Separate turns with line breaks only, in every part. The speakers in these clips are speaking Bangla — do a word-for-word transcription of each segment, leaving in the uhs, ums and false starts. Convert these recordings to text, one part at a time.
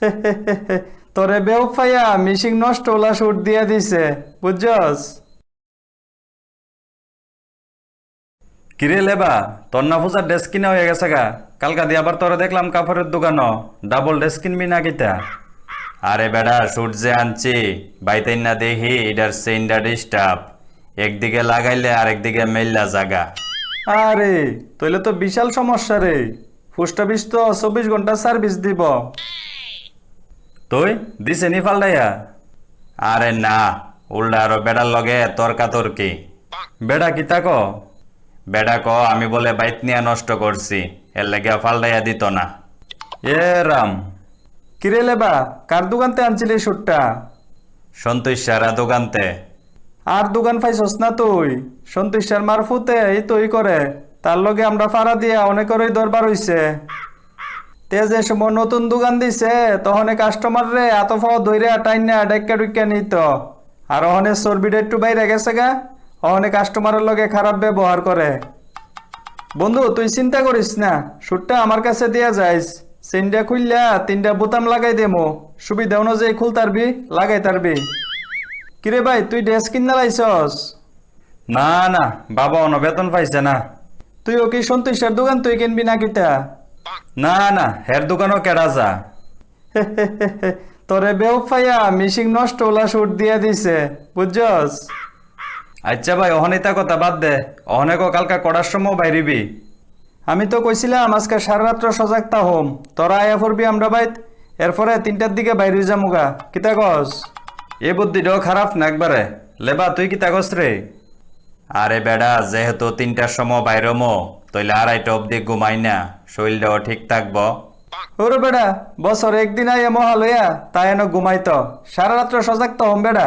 তোরে বেউফাইয়া মিশিং নষ্ট ওলা শুট দিয়া দিছে বুঝছস।
কিরে লেবা, তোর না ফুজার ড্রেস কিনা হয়ে গেছে গা? কালকা দিয়ে আবার তোরা দেখলাম কাপড়ের দোকানও ডাবল ড্রেস কিনবি না কিতা? আরে বেড়া শুট যে আনছি বাইতেন না দেখি এটার চেইনটা ডিস্টার্ব, একদিকে লাগাইলে আরেকদিকে মেললা জাগা।
আরে তইলে তো বিশাল সমস্যা রে, পোস্ট অফিস তো চব্বিশ ঘন্টা সার্ভিস দিব।
তুই দিছে নি ফালদাইয়া? আরে না, উল্টা আরো বেড়ার লগে তর্কা তর্কি। বেড়া কি তাক? বেড়া ক আমি বলে বাইত নিয়ে নষ্ট করছি, এর লেগে ফালদাইয়া দিত না। এ রাম,
কিরে লেবা, কার দোকানতে আনছিলি শুটটা?
সন্তোষ সারা দোকানতে।
আর দোকান পাইছস না তুই? সন্তোষ স্যার মারফুতে এই তৈ করে, তার লগে আমরা ফাড়া দিয়া অনেকেরই দরবার হইছে। তে যে সময় নতুন দোকান দিছে তখন কাস্টমার রে এত ফাওয়া ধইরে টাইনা ডাইক্কা ডুইক্কা নিত, আর অহনে চর্বিটা একটু বাইরে গেছে গা, অহনে কাস্টমারের লগে খারাপ ব্যবহার করে। বন্ধু তুই চিন্তা করিস না, শুটটা আমার কাছে দিয়া যাইস, চেনটা খুললা তিনটা বোতাম লাগাই দেমো, সুবিধা অনুযায়ী খুল তারবি লাগাই তারবি। কিরে ভাই তুই ড্রেস কিনা লাইছস?
না না, বাবা অন বেতন পাইছে না।
তুই ও কি সন্তোষের দোকান তুই কিনবি না কিতা?
না না, হের দোকানও কেডা যা।
তোরে বেউফাইয়া মিশিং নষ্ট ওলা শুট দিয়া দিছে বুঝছস।
আচ্ছা ভাই অহনিতা কথা বাদ দে, অহনেক কালকা করার সময় বাইরিবি।
আমি তো কইছিলাম আজকে সারা রাত্র সজাগ হোম, তোরা আয়া পড়বি আমরা বাইত, এরপরে তিনটার দিকে বাইরে যামুগা, কিতা কস?
এ বুদ্ধিটাও খারাপ না একবারে। লেবা তুই কি তাগস রে? আরে বেড়া যেহেতু তিনটার সময় বাইরমো, তইলে আড়াইটা অব্দি ঘুমাই না, শরীরটাও ঠিক থাকবো।
ওরে বেড়া, বছর একদিন আইয়া মহা লইয়া তাই এনে ঘুমাইত, সারা রাত্র সজাগ হোম বেড়া।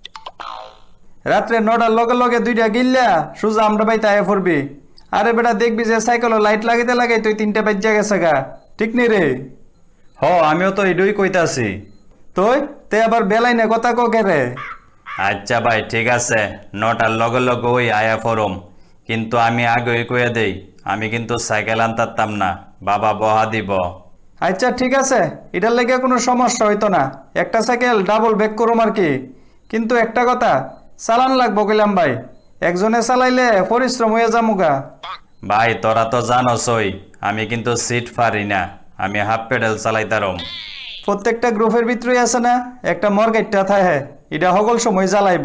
রাত্রে নটার লগে লগে দুইটা গিল্লা সুজা আমরা বাইতে আয়া পড়বি। আরে বেটা দেখবি যে সাইকেল লাইট লাগাইতে লাগাই তুই তিনটা বাজ্যা গেছে গা, ঠিক নেই রে?
হ আমিও তো এডুই কইতাছি।
তুই তে আবার বেলাই না কথা কোকে রে?
আচ্ছা ভাই ঠিক আছে, নটার লগে লগে ওই আয়া ফরম, কিন্তু আমি আগে কইয়া দেই আমি কিন্তু সাইকেল আনতাম না, বাবা বহা দিব।
আচ্ছা ঠিক আছে, এটার লেগে কোনো সমস্যা হইতো না, একটা সাইকেল ডাবল ব্যাক করুম আর কি। কিন্তু একটা কথা, চালান লাগবো কইলাম ভাই, একজনে চালাইলে পরিশ্রম হয়ে যামুগা।
ভাই তোরা তো জানোসই আমি কিন্তু সিট পারি না, আমি হাফ পেডেল চালাইতারম।
প্রত্যেকটা গ্রুপের ভিতরেই আছে না একটা মর্গেটটা থাকে, এটা সকল সময় জ্বালাইব।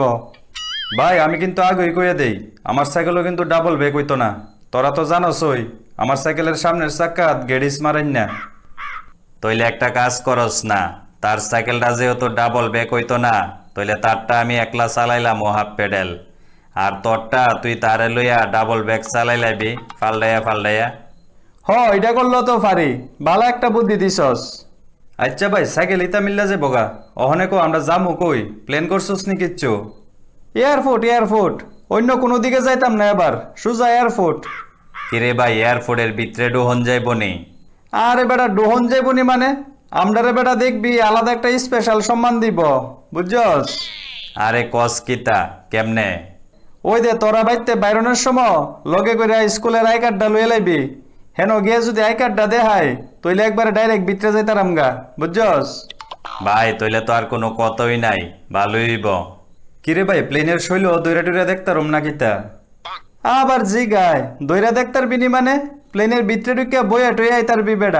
ভাই আমি কিন্তু আগেই কইয়া দেই আমার সাইকেলও কিন্তু ডাবল ব্যাক হইতো না, তোরা তো জানোসই আমার সাইকেলের সামনের চাক্কাত গেডিস মারাই না। তইলে একটা কাজ করস না, তার সাইকেলটা যেহেতু ডাবল ব্যাক হইতো না, তইলে তারটা আমি একলা চালাইলাম ও হাফ পেডেল, আর তোরটা তুই তারে লইয়া ডাবল ব্যাক চালাই লাইবি ফালডাইয়া ফালডাইয়া।
হ এটা করলেও তো পারি, ভালো একটা বুদ্ধি দিছস।
আচ্ছা ভাই সাইকেল ইতা মিল্লা যে বগা, অহনে কো আমরা যামু কই, প্লেন করছস নি কিচ্ছু?
এয়ারপোর্ট এয়ারপোর্ট, অন্য কোনো দিকে যাইতাম না, এবার সুজা এয়ারপোর্ট।
কিরে ভাই এয়ারপোর্টের ভিতরে ডোহন যাইব নি?
আরে বেটা ডোহন যাইবনি মানে, আমরারে বেটা দেখবি আলাদা একটা স্পেশাল সম্মান দিব বুঝছস।
আরে কস কিতা কেমনে?
ওই দে তোরা বাইতে বাইরনের সময় লগে করে স্কুলের আই কার্ডটা লইয়ে লাইবি, হেন গিয়ে যদি আই কার্ডটা দেখায় তইলে একবারে ডাইরেক্ট ভিতরে যাইতারাম গা বুঝছস।
ভাই তইলে তো আর কোনো কতই নাই, ভালোই হইব। কিরে ভাই প্লেনের শৈল দৈরা টুইরা দেখতারম না কিতা?
আবার জি গায় দইরা দেখতার বিনি মানে, প্লেনের ভিতরে ঢুকিয়া বইয়া টইয়া আইতারবি বেটা।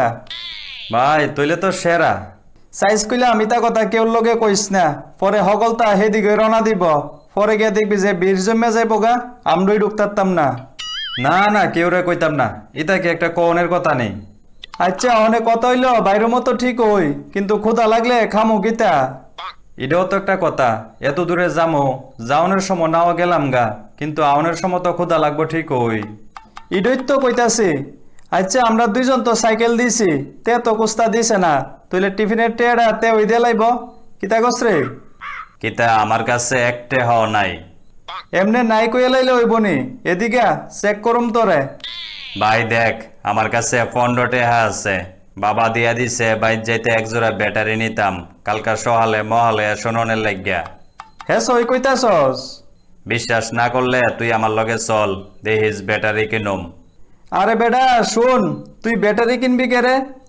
ভাই তইলে তো সেরা।
সাইজ কইলে আমি তা কথা কেউ লগে কইস না, পরে হগলতা হেদিকে রওনা দিব, পরে গিয়ে দেখবি যে বীর জমে যাইব গা, আমরাই ঢুকতারতাম না।
না না কেউ রে কইতাম না, এটা কি একটা কনের কথা নেই।
আচ্ছা অনেক কথা হইলো বাইরের মতো ঠিক হই, কিন্তু ক্ষুধা লাগলে খামু কিতা?
এটাও তো একটা কথা, এত দূরে যামো, যাওনের সময় নাও গেলাম গা, কিন্তু আউনের সময় তো ক্ষুধা লাগবো ঠিক ওই।
ইডই তো কইতাছি। আচ্ছা আমরা দুইজন তো সাইকেল দিছি, তে তো কুস্তা দিছে না, তুইলে টিফিনের টেড়া তে ওই দিয়ে লাইব, কিতা কস রে?
কিতা আমার কাছে একটে হওয়া নাই।
এমনে নাই কইয়া লাইলে হইবনি, এদিকে চেক করুম তোরে।
ভাই দেখ আমার কাছে পনেরো টাকা আছে, বাবা দিয়া দিছে বাইর যাইতে একজোড়া ব্যাটারি নিতাম, কালকা সহালে মহালে শোননের লাগিয়া।
হ্যাঁ সই কইতাছস?
বিশ্বাস না করলে তুই আমার লগে চল, দেখিস ব্যাটারি কিনুম।
আরে বেটা শুন, তুই ব্যাটারি কিনবি কে রে?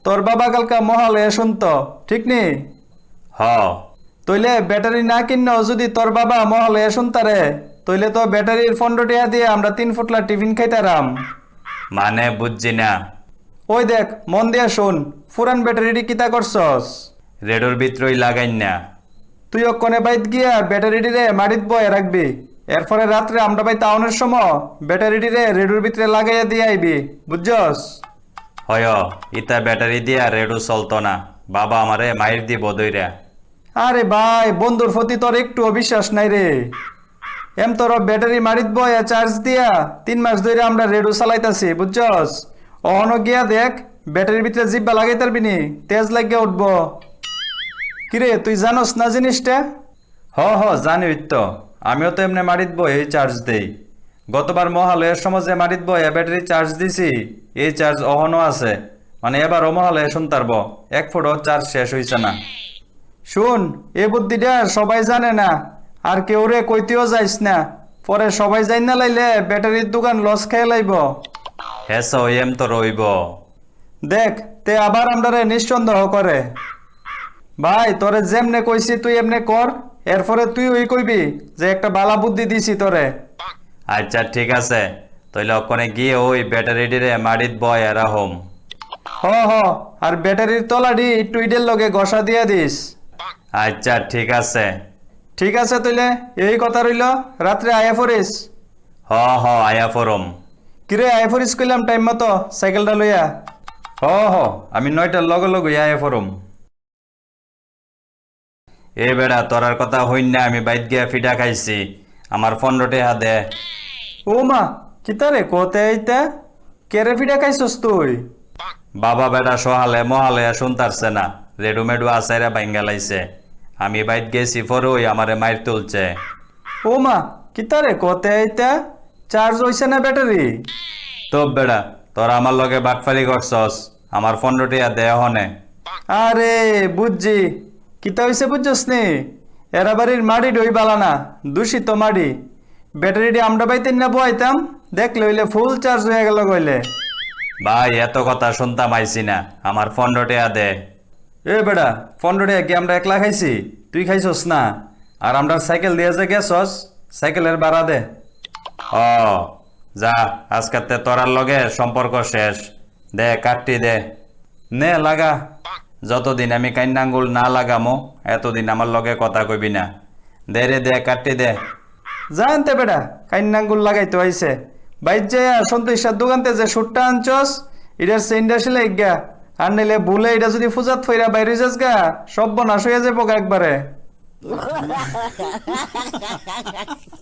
তোর বাবা কালকা মহালয়ে শুনতো ঠিক নি
হ
তইলে ব্যাটারি না কিন্ন যদি তোর বাবা মহালয়ে শুনতারে তইলে তো ব্যাটারির পনেরো টাকা দিয়ে আমরা তিন ফুটলা টিফিন খাইতারাম।
মানে বুঝছি না।
ওই দেখ মন দিয়া শোন, ফুরান ব্যাটারিটি কিতা করছস?
রেডোর ভিতরই লাগাইন না।
তুই ওখানে বাইত গিয়া ব্যাটারিটি রে মাটিত বয়ে রাখবি, এরপরে রাত্রে আমরা বাই তাওনের সময় ব্যাটারিটি রে রেডুর ভিতরে লাগাইয়া দিয়ে আইবি, বুঝছস?
হয় ইতা ব্যাটারি দিয়া রেডো চলতো না, বাবা আমারে মাইর দিব দইরা।
আরে ভাই, বন্ধুর প্রতি তোর একটু অবিশ্বাস নাই রে। এম তোর ব্যাটারি মারিত বয়া চার্জ দিয়া তিন মাস ধরে আমরা রেডু চালাইতাছি, বুঝছস? অহনো গিয়া দেখ ব্যাটারির ভিতরে জিব্বা লাগাই তারবি নি, তেজ লাগিয়া উঠব। কিরে তুই জানোস না জিনিসটা?
হ হ জানি তো, আমিও তো এমনি মারিত বই এই চার্জ দেই। গতবার মহালয়ের সমাজে মারিত বই ব্যাটারি চার্জ দিছি, এই চার্জ অহনো আছে। মানে এবারও মহালয়ে শুনতারব এক ফুটও চার্জ শেষ হইছে না।
শুন, এ বুদ্ধিটা সবাই জানে না, আর কেউ রে কইতেও যাইস না, পরে সবাই যাই না লাইলে ব্যাটারির দোকান লস খেয়ে লাইব।
হেস এম তো রইব।
দেখ তে আবার আমরা রে নিঃসন্দেহ করে। ভাই তোরে যেমনে কইছি তুই এমনে কর, এরপরে তুই ওই কইবি যে একটা বালা বুদ্ধি দিছি তোরে।
আচ্ছা ঠিক আছে, তইলে ওখানে গিয়ে ওই ব্যাটারিটিরে মারিত বয় এরা হোম।
হ হ, আর ব্যাটারির তলাডি একটু ইডের লগে ঘষা দিয়া দিস।
আচ্ছা ঠিক আছে।
ঠিক আছে তইলে এই কথা রইল, রাত্রে আয়া ফরিস।
হ হ আয়া ফরম।
কিরে আয়া ফরিস কইলাম টাইম মতো সাইকেলটা লইয়া।
হ হ আমি নয়টার লগে লগে আয়া ফরম। এ বেড়া তোরার কথা হইন না, আমি বাইত গিয়া ফিটা খাইছি, আমার পনেরো টাকা দে।
ও মা কিতারে কোতে আইতা, কেরে ফিডা খাইছস তুই?
বাবা বেটা সহালে মহালে শুনতারছে না, রেডুমেডু আসাইরা ভাঙ্গা লাইছে। আমি বাইত গেছি পরে ওই আমারে মাইর তুলছে।
ও মা কিতারে কোতে আইতা, চার্জ হইছে না ব্যাটারি?
তো বেড়া তোরা আমার লগে বাটফারি করছস, আমার পনেরো টাকা দে হনে।
আরে বুঝছি কিতা হইছে, বুঝছস নি? এরা বাড়ির মাড়ি ডই বালানা, দূষিত মাড়ি। ব্যাটারিটি আমরা বাইতেন না বইতাম, দেখলে হইলে ফুল চার্জ হয়ে গেল কইলে।
ভাই এত কথা শুনতাম আইছি না, আমার পনেরো টাকা দে।
এ বেড়া, পনেরো টাকা কি আমরা একলা খাইছি? তুই খাইছস না? আর আমরা সাইকেল দিয়ে যে গেছস, সাইকেলের ভাড়া দে।
ও যা, আজকাতে তোরার লগে সম্পর্ক শেষ। দে কাটটি দে। নে লাগা। যতদিন আমি কান্নাঙ্গুল না লাগামো এতদিন আমার লগে কথা কইবি না। দে রে দে কাটটি দে।
জানতে বেড়া কাইন্নাঙ্গুল লাগাইতে হইছে। বাইর যায় সন্তোষের দোকানতে যে সুটটা আনছস, এটার সেন্ডা সিলে গা, আর নিলে ভুলে এটা যদি ফুজাত ফইরা বাইরে যাস গা, সব বনাশ হয়ে যাবো একবারে।